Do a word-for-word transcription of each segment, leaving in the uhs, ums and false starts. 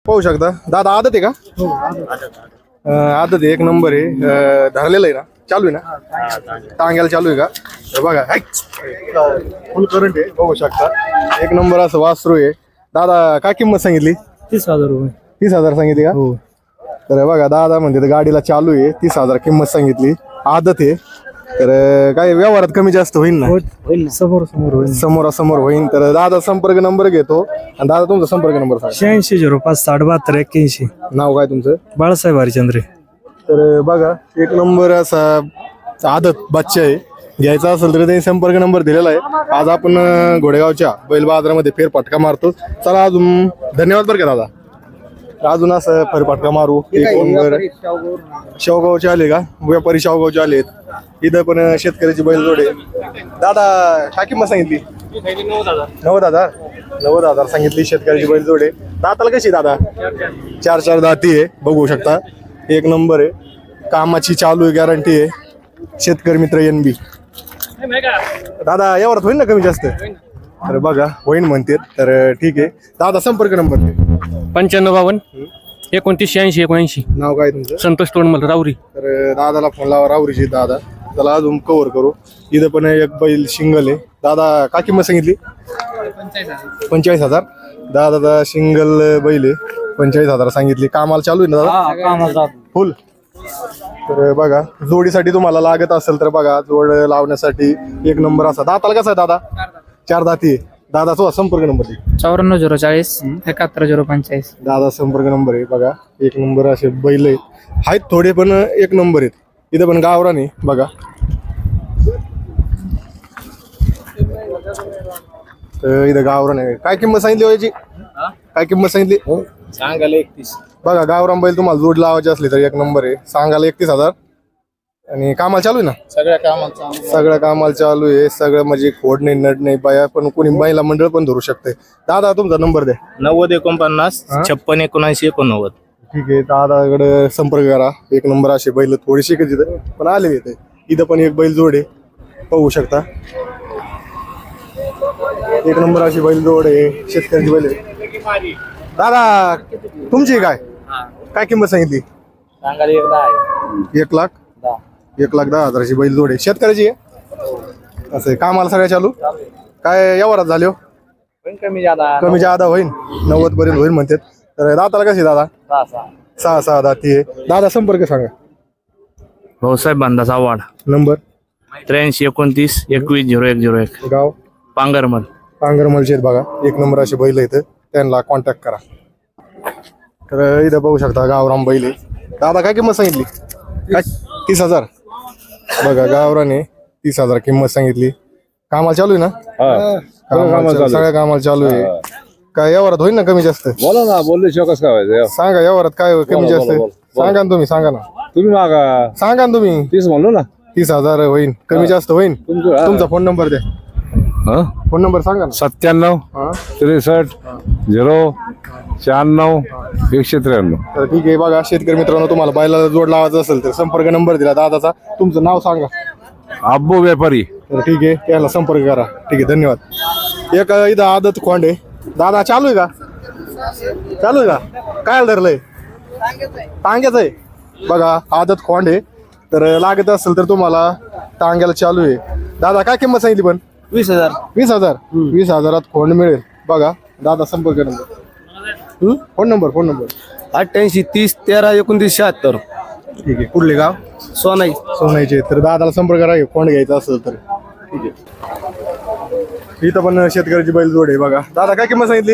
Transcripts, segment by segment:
पाहू शकता दादा आदत आहे का? अं, आदत आहे, एक नंबर आहे. अं, धरलेलं आहे ना, चालू आहे ना, टांग्याला चालू आहे का? तर बघा फुल करंट आहे, बघू शकता. एक नंबर असं वासरू आहे. दादा काय किंमत सांगितली? तीस हजार रुपये. तीस हजार सांगितली का? हो. तर बघा दादा म्हणते तर गाडीला चालू आहे, तीस हजार किंमत सांगितली. आदत आहे, तर काय व्यवहारात कमी जास्त होईल ना? होईल ना, समोर समोर होईल. समोरासमोर होईल. तर दादा संपर्क नंबर घेतो आणि दादा तुमचा संपर्क नंबर सांगा. शहाऐंशी झिरो पाच साठ बहात्तर एक्क्याऐंशी. नाव काय तुमचं? बाळासाहेब हरिचंद्रे. तर बघा एक नंबर असा आदत बच्चा आहे, घ्यायचा असेल तर त्यांनी संपर्क नंबर दिलेला आहे. आज आपण अं, घोडेगावच्या बैल बाजारामध्ये फेरफटका मारतो. चला अजून धन्यवाद बरं का दादा. अजून असं फेरफटका मारू. एक नंबर शेवगावचे आले का? व्यापारी शेवगावचे आलेत. इथं पण शेतकऱ्याची बैल जोडे. दादा काय किंमत सांगितली? नव्वद हजार नव्वद हजार सांगितली शेतकऱ्याची बैल जोडे. दाताला कशी दादा? चार चार दाती आहे, बघू शकता. एक नंबर आहे, कामाची चालू आहे, गॅरंटी आहे. शेतकरी मित्र एन बी. दादा यावर होईल ना कमी जास्त? तर बघा होईन म्हणते. तर ठीक आहे दादा संपर्क नंबर दे. पंच्याण्णव बावन्न एकोणतीस शहाऐंशी एकोणऐंशी. नाव काय तुमचं? संतोष तोंडमल राऊरी. तर दादाला फोन लावा, रावरीची दादा. त्याला अजून कव्हर करू. इथं पण एक बैल सिंगल आहे. दादा काय किंमत सांगितली? पंचेचाळीस हजार. दादा सिंगल बैल आहे, पंचेचाळीस हजार सांगितली. कामाला चालू आहे ना दादा? फुल. तर बघा जोडीसाठी तुम्हाला लागत असेल तर बघा, जोड लावण्यासाठी एक नंबर असा. दाताला कसा आहे दादा? चार दाती आहे. दादाचा संपर्क नंबर दे. चौऱ्याण्णव झिरो चाळीस एकाहत्तर झिरो पंचेचाळीस. दादा संपर्क नंबर आहे बघा. एक नंबर असे बैल आहेत, थोडे पण एक नंबर आहेत. इथं पण गावरान आहे बघा. तर इथं गावरान आहे. काय किंमत सांगितली व्हायची? काय किंमत सांगितली? सांगायला एकतीस. बघा गावरान बैल तुम्हाला जोड लावायची असली तर एक नंबर आहे. सांगायला एकतीस हजार. आणि कामाला चालू आहे ना? सगळ्या कामाला सगळ्या कामाला चालू आहे. सगळं म्हणजे खोड नाही, नड नाही, बाया पण कोणी महिला मंडळ पण धरू शकते. दादा तुमचा नंबर द्या. नव्वद एकोणपन्नास छप्पन एकोणऐंशी एकोणनव्वद. ठीक आहे दादाकडे संपर्क करा. एक नंबर असे बैल थोडीशी का तिथं पण आले येते. इथं पण एक बैल जोड आहे, पाहू शकता. एक नंबर अशी बैल जोड आहे, शेतकऱ्याची बैल आहे. दादा तुमची काय काय किंमत सांगितली? सांगायला एक दहा आहे. एक लाख एक लाख दहा हजाराची बैल जोड आहे, शेतकऱ्याची आहे. असं आहे. कामाला सगळ्या चालू काय व्यवहारात झाले हो? कमी जादा कमी जादा होईल, नव्वद पर्यंत होईल म्हणतात. तर दाताला कशी दादा? सहा सहा दाती आहे. दादा संपर्क सांगा. भाऊसाहेब बांधाचा आव्हाड नंबर त्र्याऐंशी एकोणतीस एकवीस झिरो एक झिरो एक. गाव पांगरमल. पांगरमलचे आहेत बघा. एक नंबर असे बैल आहेत, त्यांना कॉन्टॅक्ट करा. तर इथं बघू शकता गावराम बैल आहे. दादा काय किंमत सांगितली? काय तीस हजार. बघा गावराने तीस हजार किंमत सांगितली. कामाला चालू आहे ना? कामाला चालू- सगळ्या कामाला चालू आहे. काय व्यवहारात होईल ना कमी जास्त? बोला ना, बोलले शिवाय काय व्हायचं? सांगा व्यवहारात काय कमी जास्त सांगा ना तुम्ही. सांगा ना तुम्ही मागा सांगा ना तुम्ही. तीस म्हणलो ना. तीस हजार होईल, कमी जास्त होईल. तुमचं तुमचा फोन नंबर द्या. फोन नंबर सांगा ना. सत्त्याण्णव हा त्रेसष्ट झिरो शहाण्णव एकशे त्र्याण्णव. तर ठीक आहे बघा शेतकरी मित्रांनो, तुम्हाला बैलाला जोड लावायचा असेल तर संपर्क नंबर दिला दादाचा. तुमचं नाव सांगा. अब्बू व्यापारी. तर ठीक आहे त्याला संपर्क करा. ठीक आहे धन्यवाद. एक इथं आदत खोंड आहे. दादा चालू आहे का? चालू आहे का? काय धरलंय? टांग्याचं आहे बघा. आदत खोंड आहे, तर लागत असेल तर तुम्हाला टांग्याला चालू आहे. दादा काय किंमत सांगितली पण? वीस हजार. वीस हजार वीस हजारात खोंड मिळेल बघा. दादा संपर्क number. Phone number phone number अठ्ठ्याऐंशी तीस तेरा एकोणतीस शहात्तर. ठीक आहे. कुठले गाव? सोनाई. सोनाईचे. तर दादाला संपर्क करा कोण घ्यायचा असेल तर. ठीक आहे. इथं पण शेतकऱ्याची बैल जोड आहे बघा. दादा काय किंमत सांगितली?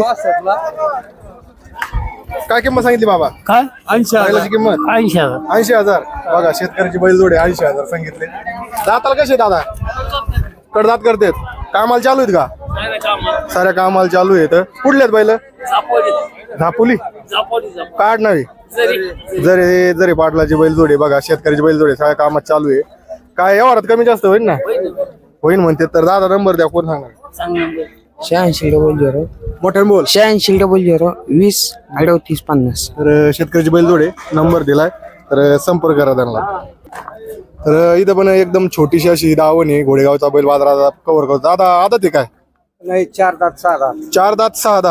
काय किंमत सांगितली बाबा? काय ऐंशी बैलाची किंमत ऐंशी हजार. ऐंशी हजार. बघा शेतकऱ्याची बैल जोड आहे, ऐंशी हजार सांगितले. दाताला कसे दादा? कडदात करतेत. कामाला चालू आहेत का? साऱ्या कामाला चालू आहेत. कुठले आहेत बैल? झापुली काढ नाही. जरे जरे पाटलाची बैल जोडे बघा. शेतकऱ्याची बैल जोडे सगळ्या कामात चालू आहे. काय व्यवहारात कमी जास्त होईल ना? होईल म्हणते. तर दादा नंबर द्या. कोण सांगा? शहाऐंशी डबल झिरो मोठ्याने बोल. शहाऐंशी डबल झिरो वीस अडतीस पन्नास. तर शेतकऱ्याची बैल जोडे नंबर दिलाय, तर संपर्क करा त्यांना. तर इथं पण एकदम छोटीशी अशी दावण आहे. घोडेगावचा बैल बाजारात कव्हर करतो. दादा आदत आहे काय? नाही चार दात सहा दात. चार दात सहा दात.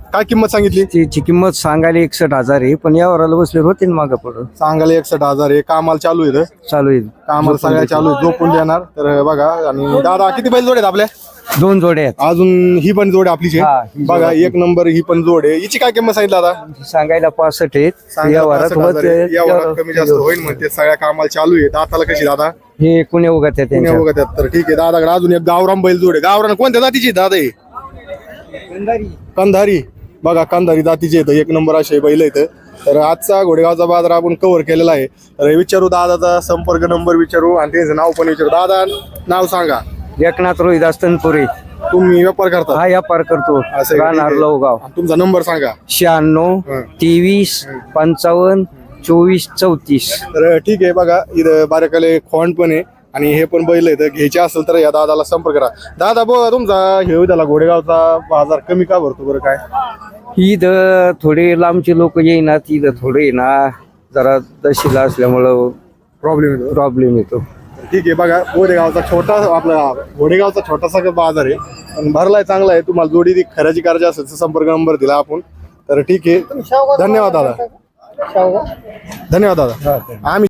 काय किंमत सांगितली? तिची किंमत सांगायला एकसठ हजार आहे, पण यावराला बसले होते ना मागं पुढं. सांगायला एकसठ हजार आहे. कामाला चालू आहे इथं. चालू आहे. कामाला सगळ्या चालू आहे. झोपून देणार तर बघा. आणि दादा किती बैल जोड आहेत आपल्या? दोन जोडे आहेत. अजून ही पण जोड आहे आपलीची. हा, ही जोड बघा आपली. एक नंबर ही पण जोड आहे. हिची काय किंमत सांगितली दादा? सांगायला पासष्ट आहेत. सांगायला यावरात पासष्ट हजार होते. आहे. यावरात कमी जास्त होईल म्हणते. सगळ्या कामाला चालू आहे. दाताला कशी दादा? हे कुण्या उगत आहे पुण्या त्यांच्या. बघत आहेत. तर ठीक आहे दादाकडे अजून एक गावरान बैल जोड आहे. गावरान कोणत्या जातीची दादा आहे? कंधारी. बघा कंधारी जातीचे येतं. एक नंबर असे बैल येतं. तर आजचा घोडेगावचा बाजार आपण कव्हर केलेला आहे. तर विचारू दादाचा संपर्क नंबर विचारू आणि त्यांचं नाव पण विचारू. दादा नाव सांगा. एकनाथ रोहिदास तनपुरे. तुम्ही व्यापार करता? हा व्यापार करतो. असं आहे का? ठीक राहणार आहे. लवगाव. आणि तुमचा नंबर सांगा. शहाण्णव हं. तेवीस पंचावन्न चोवीस चौतीस. तर ठीक आहे बघा इथं बारेकाले खोंड पण आहे आणि हे पण बैल आहेत. घ्यायचे असेल तर या दादाला संपर्क करा. दादा बघा तुमचा हे त्याला घोडेगावचा बाजार कमी का भरतो बरं काय? इथं थोडे लांबचे लोक येईनात. इथं थोडे ना जरा दशीला असल्यामुळं प्रॉब्लेम येतो. प्रॉब्लेम येतो. ठीक आहे बघा घोडेगावचा छोटा आपला घोडेगावचा छोटासा बाजार आहे पण भरलाय चांगला आहे. तुम्हाला जोडी ती खरेदी करायची असेल तर संपर्क नंबर दिला आपण. तर ठीक आहे धन्यवाद दादा. धन्यवाद दादा. आम्ही